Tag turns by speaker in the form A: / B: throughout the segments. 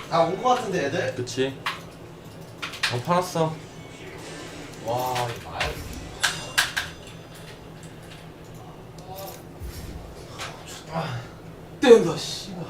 A: 다 온 거 같은데 애들?
B: 그치. 팔았어.
C: 와 이거 말. 뜬다 씨발.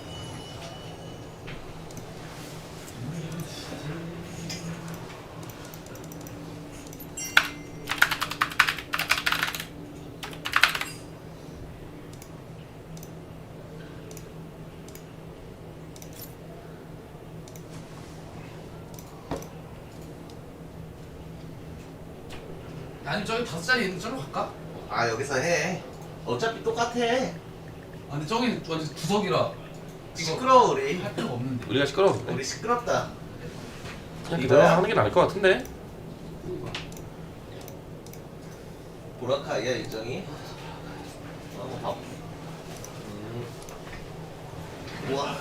C: 아니 저기 5짜리 있는 쪽으로 갈까?
A: 아 여기서 해. 어차피 똑같아.
C: 아 근데 저기는 완전 구석이라
A: 시끄러워 우리.
C: 할 필요가 없는데.
B: 우리가 시끄러운데.
A: 우리 시끄럽다.
B: 그냥
A: 이거야?
B: 그대로 하는 게 나을 것 같은데.
A: 보라카이야 일정이. 밥. 우와.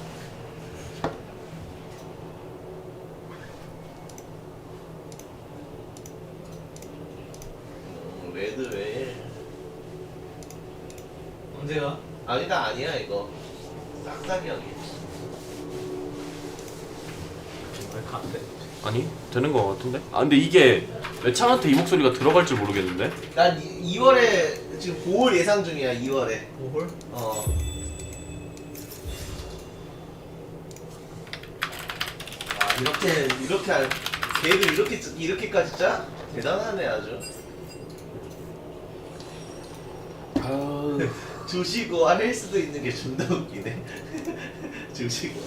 A: 레드웨일.
C: 언제야?
A: 아니다 아니야 이거. 싹싹이 형이.
C: 왜 가는데?
B: 아니 되는 것 같은데. 아 근데 이게 매창한테 이 목소리가 들어갈 줄 모르겠는데.
A: 난 2월에 지금 5월 예상 중이야 2월에.
C: 5홀?
A: 어. 아 이렇게 계획을 이렇게까지 짜? 대단하네 아주.
B: 아
A: 주시고 할 수도 있는 게 존나 웃기네. 주시고.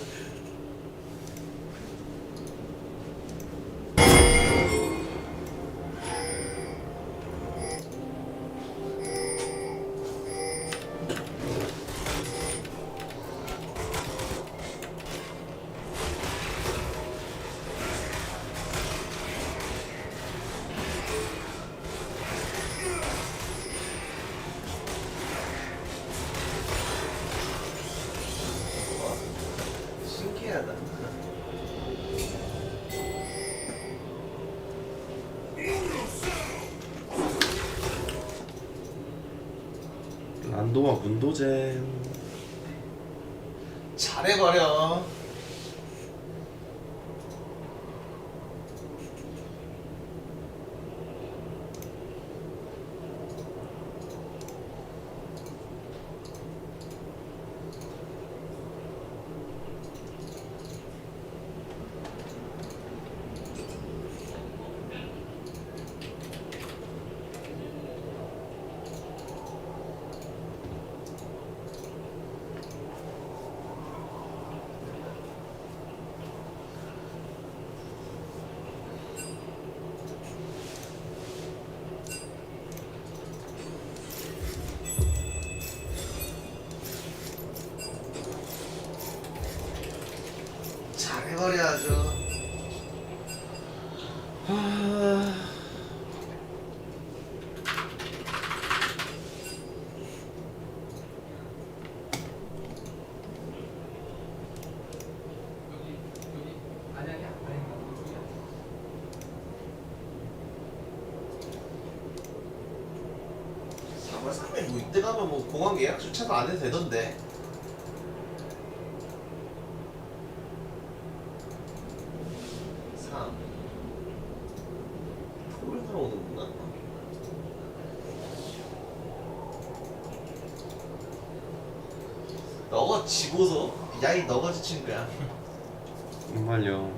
A: 신기하다.
B: 란도와 문도젠.
A: 잘해버려. 잘해버려야죠.
C: 안양이야?
A: 사월 3일 뭐 이때 가면 뭐 공항 예약 주차도 안 해도 되던데. 토요일 들어오는구나. 너가 지고서 야이 너가 지친 거야.
B: 정말요.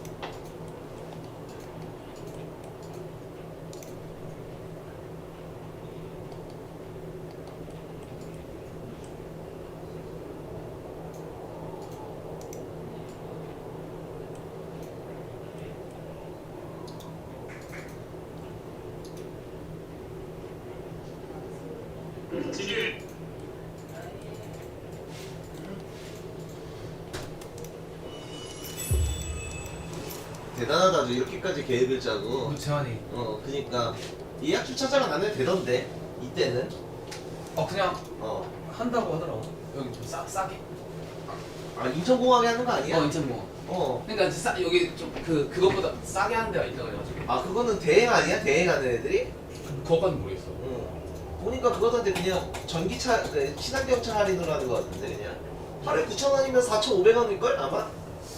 A: 대단하다. 아주 이렇게까지 계획을 짜고.
C: 재환이.
A: 그니까 예약 주차장은 안 해도 되던데 이때는.
C: 그냥
A: 어.
C: 한다고 하더라고. 여기 좀 싸게.
A: 아 인천공항에 하는 거 아니야?
C: 인천 뭐.
A: 어.
C: 그러니까 여기 좀 그것보다 싸게 하는 데가 있다 그래가지고.
A: 아 그거는 대행 아니야? 대행하는 애들이?
C: 그거까지 모르겠어.
A: 응. 보니까 그거던데 그냥 전기차 친환경차 할인으로 하는 거 같은데 그냥 하루에 9,000원이면 4,500원일걸 아마?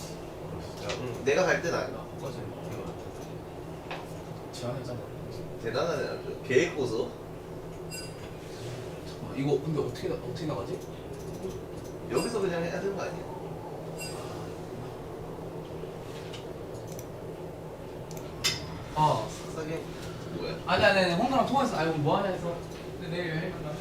A: 내가 갈 땐 아니야.
C: 바꿔줘. 제안했잖아.
A: 대단하네 아주. 계획 고소.
C: 잠깐만 이거 근데 어떻게 나가지?
A: 여기서 그냥 해야 되는 거 아니야?
C: 아
A: 싸게 뭐야?
C: 아니 홍사랑 통화했어. 아이고 뭐 하냐 해서. 근데 내일 여행 간다며.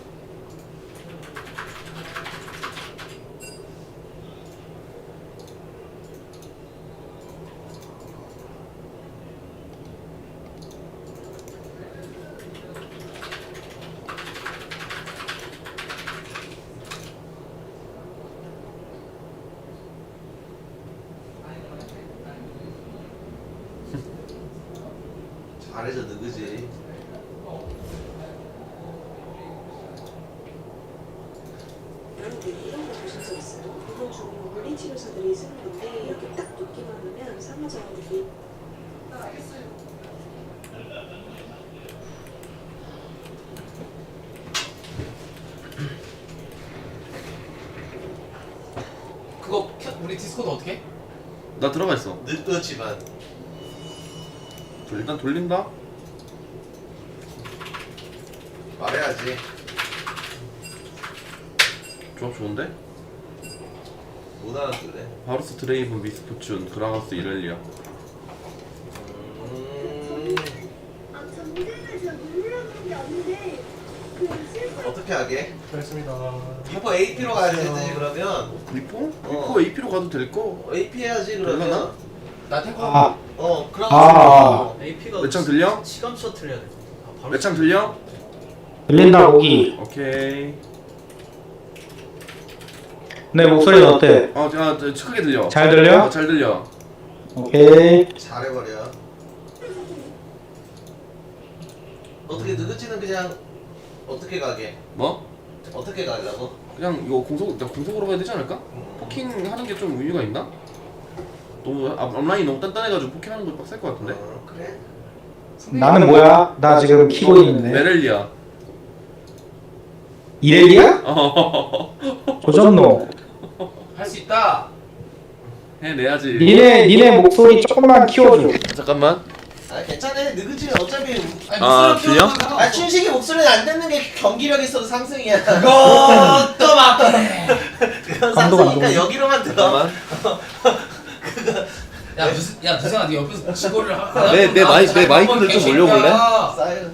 A: 잘해줘 누구지?
D: 여러분들 이런 거 보신 적 있어요? 이거 중 물리치료사들이 쓰는 건데 이렇게 딱 놓기만 하면 상하자들이
C: 그거 우리 디스코드 어떻게 해?
B: 나 들어가 있어.
A: 늦었지만
B: 일단 돌린다.
A: 말해야지.
B: 조합 좋은데?
A: 못 알아들래.
B: 바루스 드레이븐 미스포춘 그라가스 이렐리아.
E: 아, 저 무대를 제가 누르는 게 아닌데 그 실수
A: 어떻게 하게?
C: 잘했습니다.
A: 리퍼 AP로 가야 되지 그러면.
B: 리포? 리포 AP로 가도 될 거.
A: AP 해야지
B: 되려나?
A: 그러면.
C: 나 탱커.
A: 그럼.
F: AP가
B: 매창 들려?
F: 시간 셔틀 해야 돼.
B: 매창 들려?
G: 들린다 고기.
B: 오케이.
G: 내 목소리는 어때?
B: 크게 들려.
G: 잘 들려?
B: 잘 들려.
G: 오케이.
A: 잘해버려. 어떻게 느긋지는 그냥 어떻게 가게?
B: 뭐?
A: 어떻게 가려고?
B: 그냥 이거 공속으로 가야 되지 않을까? 포킹 하는 게 좀 의미가 있나? 너무 앞라인이 너무 단단해가지고 포킹 하는 거 빡셀 것 같은데?
A: 그래?
G: 나는 뭐야? 나 지금 키고 있는데.
B: 메렐리아.
G: 이렐리야? 조졌노.
C: 할 수 있다.
B: 해내야지.
G: 니네 목소리 조금만 키워줘.
B: 잠깐만.
A: 아 괜찮아. 느긋지는 어차피.
B: 아, 들려?
A: 아 춘식이 목소리는 안 듣는 게 경기력 있어도 상승이야.
C: 그것도 맞네.
A: 그건
G: 감독 안
A: 상승이니까
G: 보네.
A: 여기로만 들어.
B: 잠깐만.
C: 야 누생아 네 옆에서 지고를 하고.
B: 내 마이크를 좀 올려볼래?
A: 쌓여.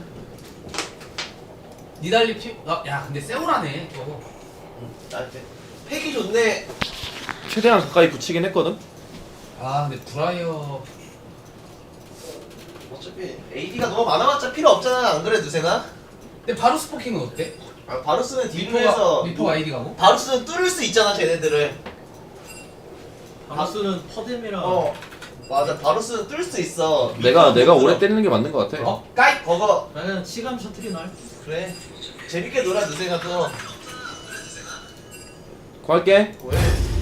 C: 니달리 피. 야 근데 세우라네 저거.
A: 나한테 팩이 좋네.
B: 최대한 가까이 붙이긴 했거든.
C: 아 근데 브라이어.
A: 어차피 AD가 너무 많아봤자 필요 없잖아. 안 그래 누생아?
C: 근데 바로 스포킹은 어때?
A: 아, 바루스는 딜로해서
C: 리포 아이디 가고?
A: 바루스는 뚫을 수 있잖아 쟤네들을.
F: 바루스는 퍼뎀이랑
A: 맞아. 바루스는 뚫을 수 있어.
B: 내가 오래 때리는 게 맞는 것 같아.
C: 어? 까이!
A: 그거
F: 나는 시간 셔틀이 날.
A: 그래. 재밌게 놀아 누생아 또.
B: 구할게.
A: 왜?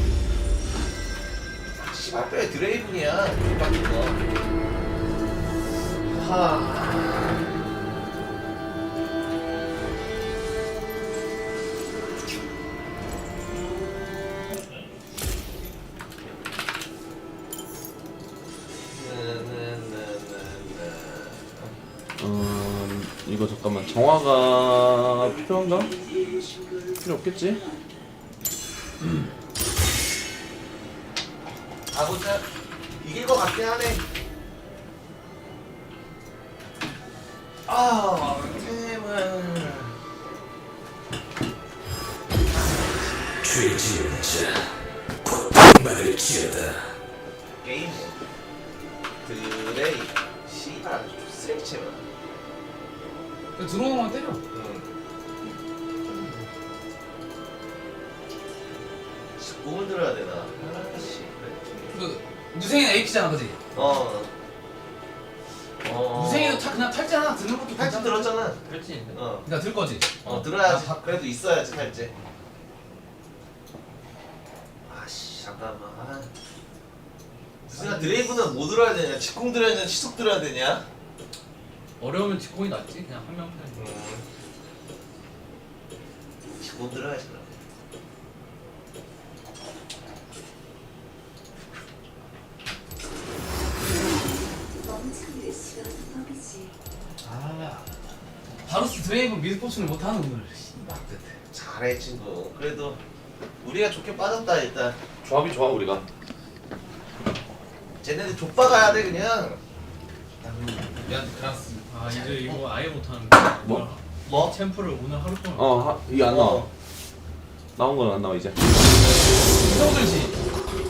A: 씨발 뼈에 드레이븐이야. 빡친 거. 하.
B: 이거 잠깐만. 정화가 필요한가? 필요 없겠지?
A: 아보자. 이길 것 같긴 하네. 아, 팀은
H: 죄지은 자, 곧 악마를 지어다.
A: 게임 드레이 씨발 아주 쓰레기체만.
C: 들어오는 건 때려.
A: 몸을 들어야 되나? 아씨.
C: 그 누생이는 AP잖아 그지? 누생이도 그냥 탈잖아. 드는 것도
A: 탈지
C: 괜찮아.
A: 들었잖아.
F: 그렇지.
C: 그러니까 들 거지?
A: 들어야지.
C: 아,
A: 그래도 있어야지 탈지. 아씨 잠깐만. 무슨 드레이브는 뭐 들어야 되냐? 직공 들어야 되냐? 시속 들어야 되냐?
F: 어려우면 직공이 낫지. 그냥 한 명 편이.
A: 직공 들어야지 그럼.
D: 있지.
F: 아 바루스 드레이븐 미드포츠를 못하는 오늘. 씨발.
A: 잘해 친구. 그래도 우리가 좋게 빠졌다 일단.
B: 조합이 좋아 우리가.
A: 쟤네들 족박아야 돼 그냥.
F: 미안 그라스. 아 이제 이거 아예 못하는
B: 뭐?
A: 뭐?
F: 챔프를 오늘 하루 동안.
B: 이게 안 나와.
A: 어.
B: 나온 건 안 나와 이제.
F: 성들지.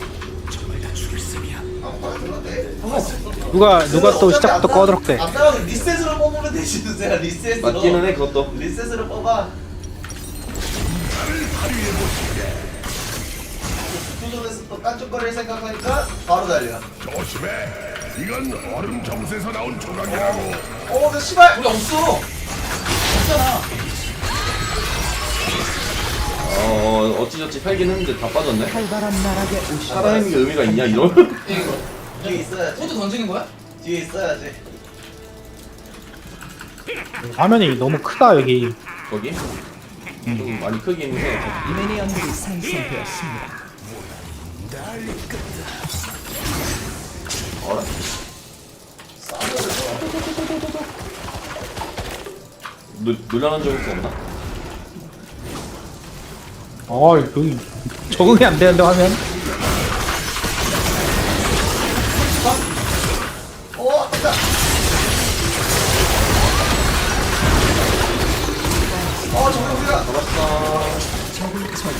A: 안 빠져도 돼.
G: 누가 또 시작부터 꺼드럭대.
A: 안 나가면 리셋으로 뽑으면 되지 누세야 리셋으로.
B: 맞기는 해 그것도.
A: 리셋으로 뽑아. 수준에서 또 깐죽거릴 생각하니까 바로 달려.
H: 조심해. 이건 얼음 정수에서 나온 조각이라고.
A: 너 씨발.
F: 우리 없어. 없잖아.
B: 어찌저찌 팔긴 했는데 다 빠졌네. 살아있는 게 의미가 있냐 이런.
F: 이거
A: 뒤에 있어야지.
F: 코드 던지는 거야?
A: 뒤에 있어야지.
G: 화면이 너무 크다 여기.
B: 거기? 좀 많이 크긴 해. 어라? 놀라는 적이 없나?
G: 여기 적응이 안 되는데 화면.
A: 됐다. 정국이야.
B: 잡았어.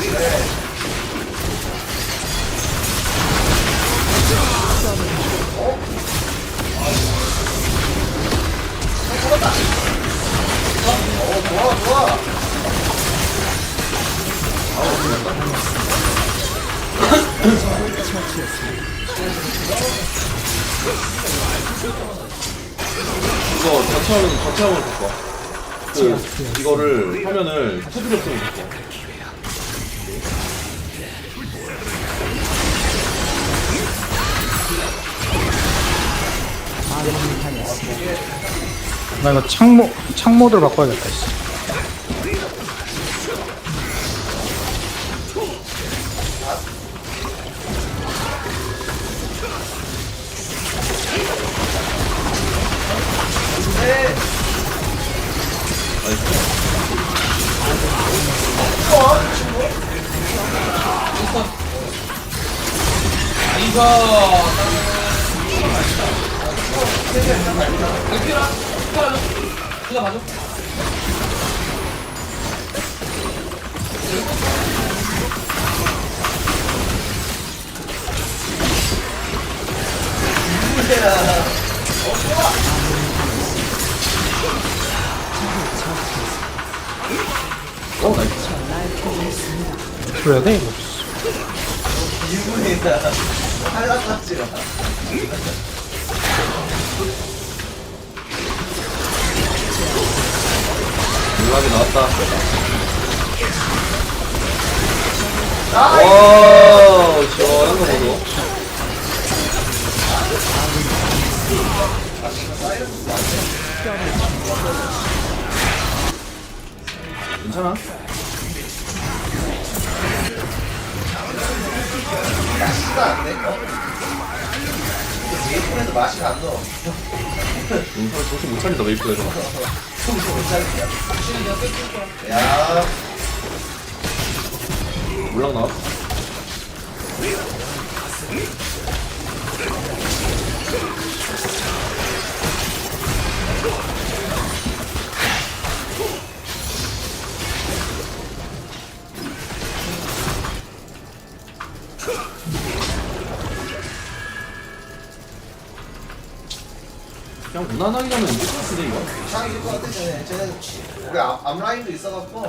A: 좋아.
B: 이거 전체화면 바꿔. 이거를 화면을 테두리 없으면 바꿔.
G: 나 이거 창모드로 바꿔야겠다. 씨.
F: 이거 이거 봐줘.
G: 그래야 돼 이거.
A: 일본이다. 탈락하지라.
B: 연락이 나왔다.
A: 아,
B: 와, 시원한 거 보소. 괜찮아?
A: 맛이가 안 돼. 메이플에서 맛이 안 넣어.
B: 용서를 정신 못 차린다 메이플에서.
A: 정신 못 차리냐. 야,
B: 몰락 나왔어. 그냥 무난하게 가면 이길 것 같은데 이거?
A: 상 이길 것 같아 쟤네 우리 앞라인도 있어갖고.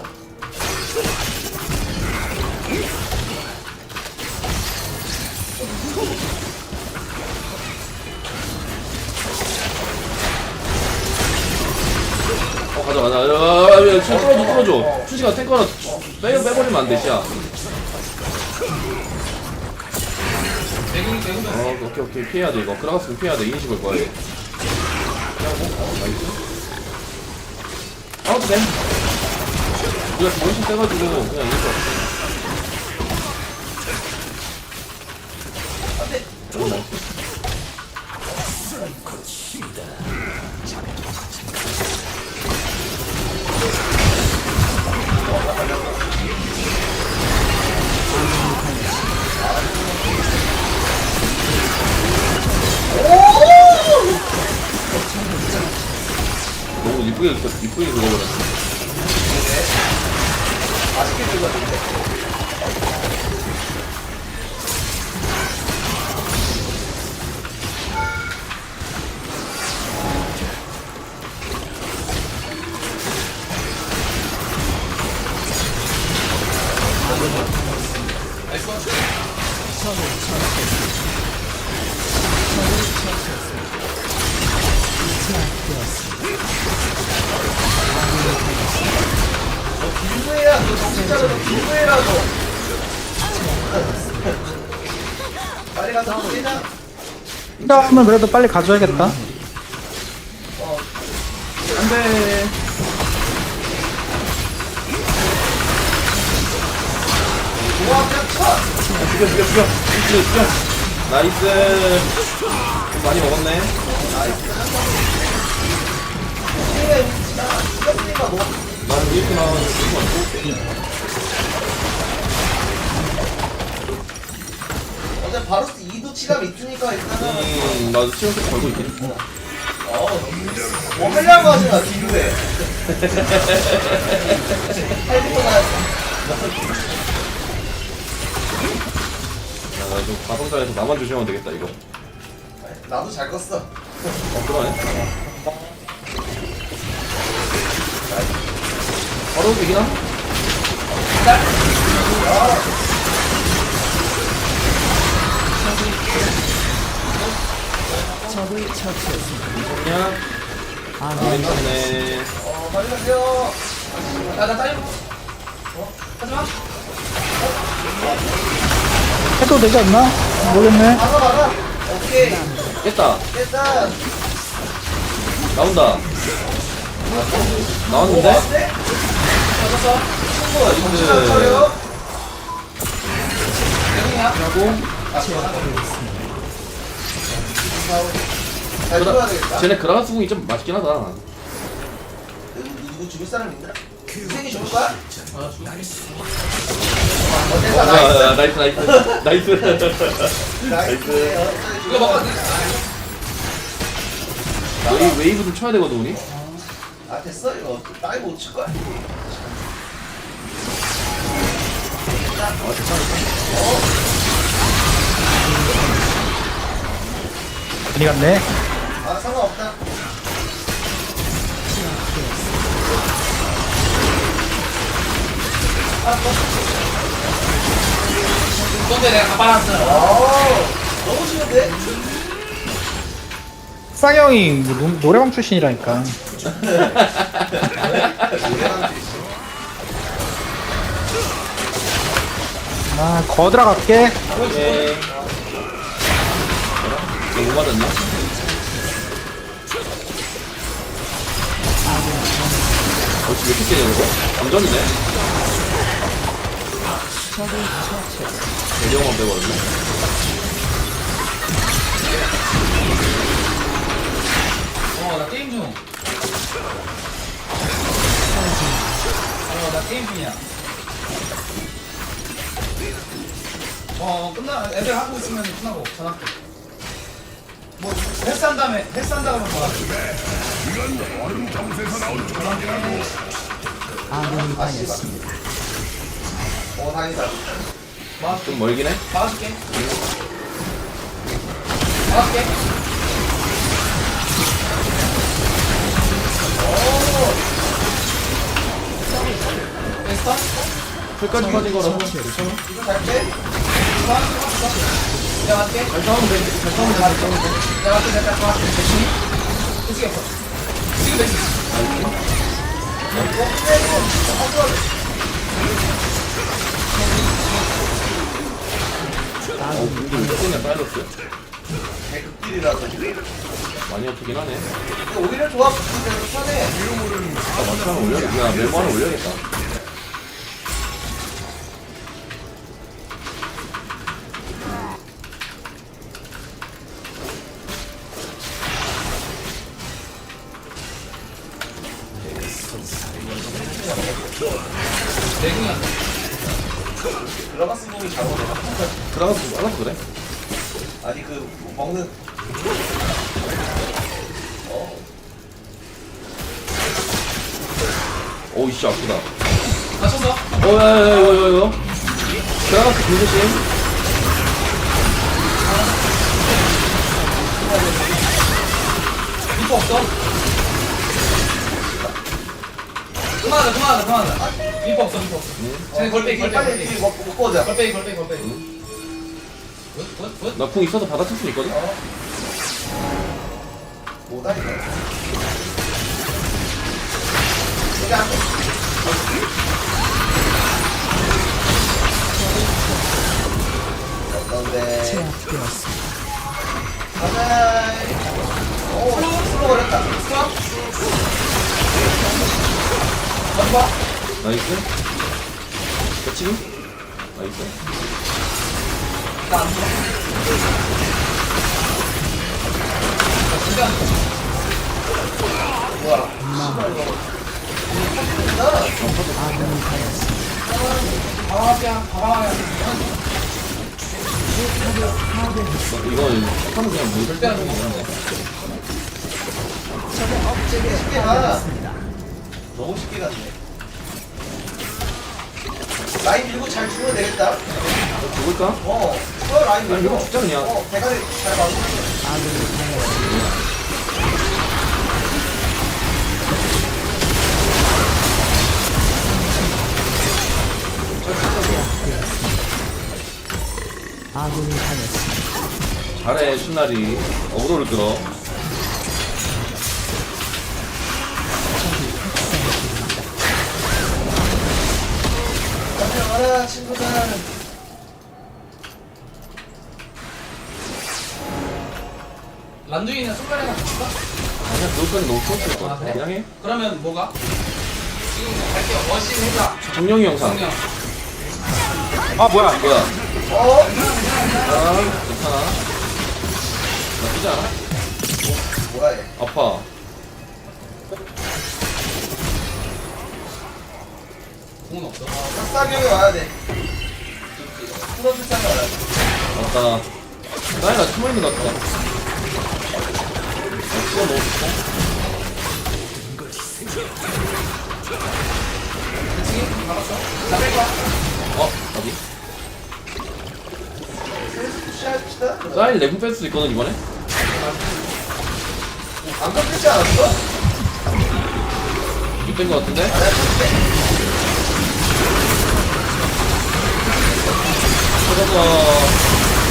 B: 가자. 춤 끌어줘. 추시가 탱커 하나 빼버리면 안 돼, 시야. 오케이. 피해야 돼, 이거. 그라가스는 피해야 돼. 인식을 거야, 이거. 피하고, 나이스. 아웃도 돼. 우리가 정신 떼가지고, 그냥 이길 것 같아. 나이스. 이쁘게 긁어버렸어.
A: 맛있게 들어갔는데. 빌드해야 너 정신차려. 너 빌드해라 너. 빨리 가서 한번 뛰자.
G: 이러면 그래도 빨리 가져야겠다.
B: 안돼.
A: 좋아 그냥 쳐.
B: 죽여. 나이스. 좀 많이 먹었네.
A: 게임에 이겼으니까 뭐.
B: 나는 이렇게 나와서 조금 안 좋을게.
A: 어제 바로스 2도 치감 있으니까 일단은
B: 나도 시험 좀 걸고 있긴.
A: 뭐 하려고 하지 마 뒤로에. 할부터 나왔어.
B: 나좀 가성자에서 나만 조심하면 되겠다 이거.
A: 나도 잘 껐어.
B: 그러네. 바로 이기나? 그냥 괜찮네.
A: 빨리 가세요.
F: 나 딸려. 하지마.
G: 해도 되지 않나? 모르겠네.
A: 막아. 오케이.
B: 깼다.
A: 됐다.
B: 나온다. 나왔는데?
A: 왔네? 정신 안 차려? 잘 들어야 되겠다.
B: 쟤네 그라가스궁이 좀 맛있긴 하다.
A: 누구 죽일 사람 있나? 유생이 죽을 거야?
B: 야,
A: 됐다.
B: 나이스.
A: 나이스.
F: 이거 먹어.
B: 웨이브 좀 쳐야 되거든 우리.
A: 아 됐어 이거 나이 못 칠 거야.
G: 많이 갔네.
A: 아 상관없다.
F: 근데 내가 가발았어.
A: 너무 쉬운데?
G: 쌍형이 뭐 노래방 출신이라니까. 아, 거들어 갈게.
B: 오케이. 너무 맞았나? 왜 이렇게 세냐 이거? 완전이네. 대경만 빼버렸네.
F: 나 게임 중. 나 게임 중이야. 애들 하고 있으면 끝나고 전화할게. 뭐 헬스한 다음에 헬스한 다음에 뭐
A: 다행이다.
B: 좀 멀긴 해.
F: 막아줄게. 막아줄게. 헬스타?
B: 풀까지 빠진 거라서.
A: 이거 잘 빼?
F: 내가 맞게.
B: 잘 싸우면 돼.
F: 내가 맞게. 내가 맞게. 대신이? 어떻게 했어? 지금 대신.
B: 근데 왜 쏘냐 빨렸어?
A: 개극딜이라서.
B: 많이 아프긴 하네.
A: 근데 오히려 좋아. 붙이면 편해.
B: 마트 하나 올려야겠다. 야, 메모 하나 올려야겠다.
F: 내궁이야.
A: 들어갔으면 몸이 잘 오네.
B: 알아서 그래.
A: 아니 그 먹는
B: 오이씨 아프다.
C: 다쳤어?
B: 야야야 이거 들어갔어 김조심.
C: 리퍼 없어? 그만하자. 리퍼 없어. 쟤네 걸빼기.
A: 빨리 뒤 먹고 오자.
C: 걸빼기. 굿.
B: 나 궁 있어서 받아칠 수 있거든.
A: 뭐다니까. 이게 안 돼. 어떤데? 가자. 오, 슬로 걸렸다.
B: 나이스. 그치? 나이스. 이건 하면 그냥 뭐 절대 안 되는데.
A: 쉽게 가. 너무 쉽게 갔네. 라인 밀고 잘 주면 되겠다.
B: 죽을까?
A: 라인 밀고.
B: 밀고 죽자, 그냥.
A: 대가리 잘 막으면.
B: 잘해 신나리. 어그로를 끌어.
A: 가라 친구들.
C: 란두이는 손가락이랑 붙일까?
B: 아니야 그것까지 너무 추웠을 것
C: 아,
B: 같아.
C: 그래?
B: 그냥 해.
C: 그러면 뭐가? 지금 갈게요. 머신 해자.
B: 정령이 영상.
C: 정령.
G: 아 뭐야
B: 뭐야?
A: 어?
B: 괜찮아. 나쁘지 않아?
A: 뭐야 얘?
B: 아파.
C: 공은 없어.
A: 싹싹하게 와야 돼. 풀어줄 생각 안 하지.
B: 맞다. 나이가 숨어있는 것 같다. 찍어 넣어줄까?
C: 그치? 막았어. 나 뺄거야.
B: 어디?
A: 푸시합시다.
B: 사인 레벨 뺄 수도 있거든 이번에?
A: 안 깎이지 않았어?
B: 이뺀 것 같은데?
A: 아, 내가 깎게.
B: 찾아서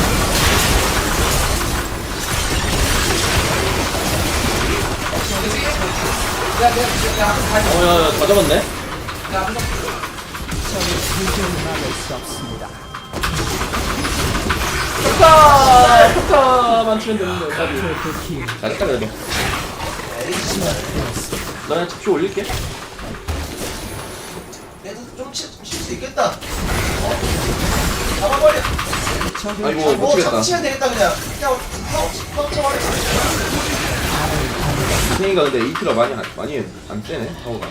C: 그치? 내가 앞에서 다 했어.
B: 야야 다 잡았네?
C: 내가 앞에서.
B: 폭타만 치면 되는데 어차피 잘했다 그래도. 나 그냥 잡시 올릴게.
A: 얘도 좀 칠 수 있겠다. 잡아버려.
B: 아이고 못
A: 뭐
B: 치겠다.
A: 잡치면 되겠다 그냥. 그냥 쳐버려.
B: 생이가 근데 이트가 많이 안 떼네 파워가.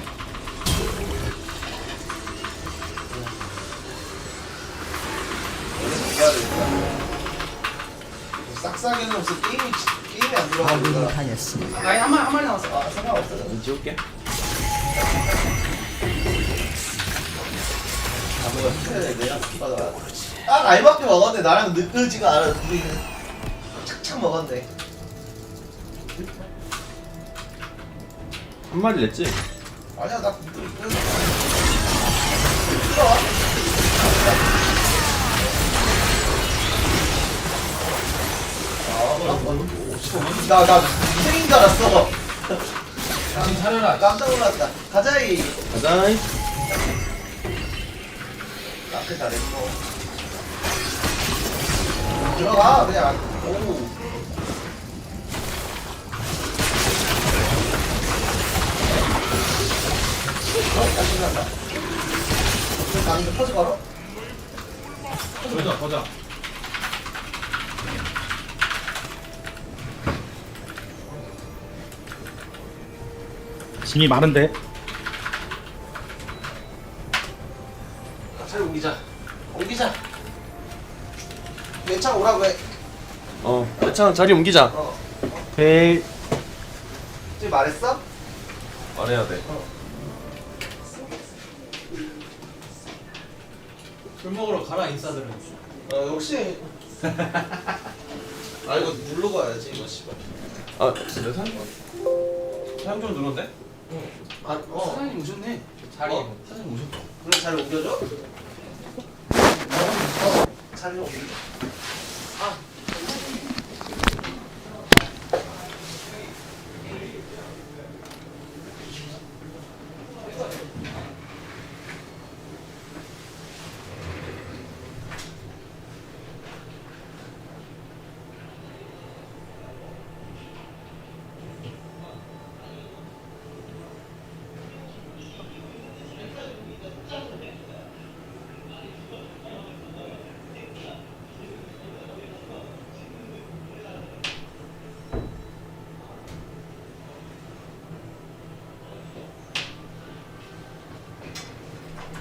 A: 해야 되겠다. 싹싹이는 없어. 게임이 안 들어가니까.
C: 라인 한 마리 남았어.
A: 아 상관없어.
B: 지울게.
A: 딱 알밖에 먹었는데 나랑 느껴지가 않아. 둘이 착착 먹었네.
B: 한 마리 냈지?
A: 아니야 나 나나 생인 줄 알았어.
C: 정신 차려라.
A: 깜짝 놀랐다. 가자이.
B: 가자.
A: 앞에 잘했고. 들어가 그냥. 오. 짜증난다. 가는데 퍼즈 걸어?
C: 보자.
G: 짐이 많은데
A: 차를 옮기자. 내 차 오라고 해.
B: 대창 자리 옮기자.
G: 오케이
A: 지금 말했어?
B: 말해야 돼.
F: 술 먹으러 가라 인싸들은.
A: 역시. 아 이거 누르고 와야지 이거 씨발.
B: 아 근데 사장님 좀 늘었네?
F: 사장님 오셨네.
C: 자리
A: 어?
B: 사장님 오셨다.
A: 그래 잘 옮겨줘? 잘 옮겨줘.